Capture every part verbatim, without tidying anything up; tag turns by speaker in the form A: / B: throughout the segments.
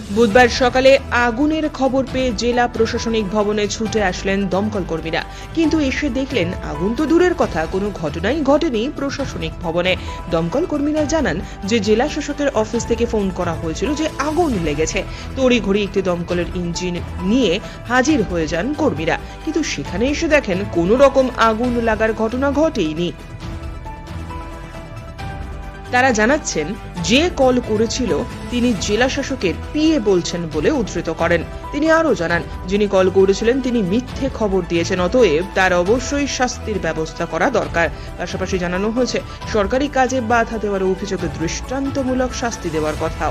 A: বুধবার সকালে আগুনের খবর পেয়ে জেলা প্রশাসনিক ভবনে ছুটে আসলেন দমকল কর্মীরা, কিন্তু এসে দেখলেন আগুন তো দূরের কথা, কোনো ঘটনাই ঘটেনি প্রশাসনিক ভবনে। দমকল কর্মীরা জানান যে জেলা শাসকের অফিস থেকে ফোন করা হয়েছিল যে আগুন লেগেছে। তড়িঘড়ি একটি দমকলের ইঞ্জিন নিয়ে হাজির হয়ে যান কর্মীরা, কিন্তু সেখানে এসে দেখেন কোনো রকম আগুন লাগার ঘটনা ঘটেইনি। তারা জানাচ্ছেন যে কল করেছিল তিনি জেলা শাসকের পিএ বলছেন বলে উদ্ধৃত করেন। তিনি আরও জানান, যিনি কল করেছিলেন তিনি মিথ্যে খবর দিয়েছেন, অতএব তার অবশ্যই শাস্তির ব্যবস্থা করা দরকার। পাশাপাশি জানানো হয়েছে সরকারি কাজে বাধা দেওয়ার অভিযোগে দৃষ্টান্তমূলক শাস্তি দেওয়ার কথাও।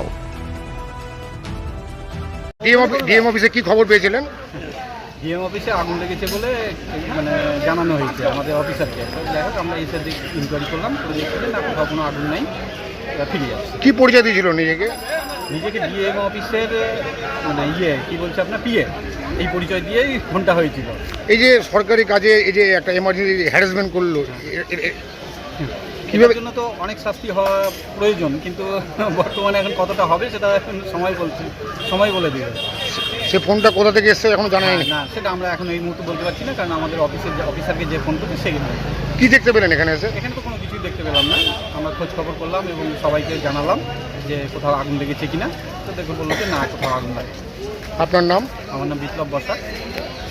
B: ডিএম অফিসে কি খবর পেয়েছিলেন?
C: ডিএম অফিসে আগুন লেগেছে বলে মানে জানানো হয়েছে আমাদের অফিসারকে। তো যাই হোক আমরা এসে ইনকোয়ারি করলাম, তো দেখছিলেন না কোথাও কোনো আগুন নাই, ফিরে আসছে।
B: কি পরিচয় দিয়েছিল নিজেকে?
C: নিজেকে ডিএম অফিসের মানে ইয়ে কি বলছে আপনার পিএ, এই পরিচয় দিয়েই ফোনটা হয়েছিল।
B: এই যে সরকারি কাজে এই যে একটা এমার্জেন্সি হ্যারাসমেন্ট করলো,
C: কিভাবে জন্য তো অনেক শাস্তি হওয়া প্রয়োজন, কিন্তু বর্তমানে এখন কতটা হবে সেটা এখন সময় বলছে, সময় বলে দিবে।
B: সে ফোনটা কোথা থেকে এসছে এখন জানা যায়নি।
C: না, সেটা আমরা এখন এই মুহূর্তে বলতে পারছি না, কারণ আমাদের অফিসের যে অফিসারকে যে ফোন করছে সেখানে।
B: কি দেখতে পেলেন এখানে এসে?
C: এখানে তো কোনো কিছুই দেখতে পেলাম না। আমরা খোঁজ খবর করলাম এবং সবাইকে জানালাম যে কোথাও আগুন লেগেছে কিনা। তো দেখে বললো যে না, কোথাও আগুন লাগে।
B: আপনার নাম?
C: আমার নাম বিপ্লব বসাক।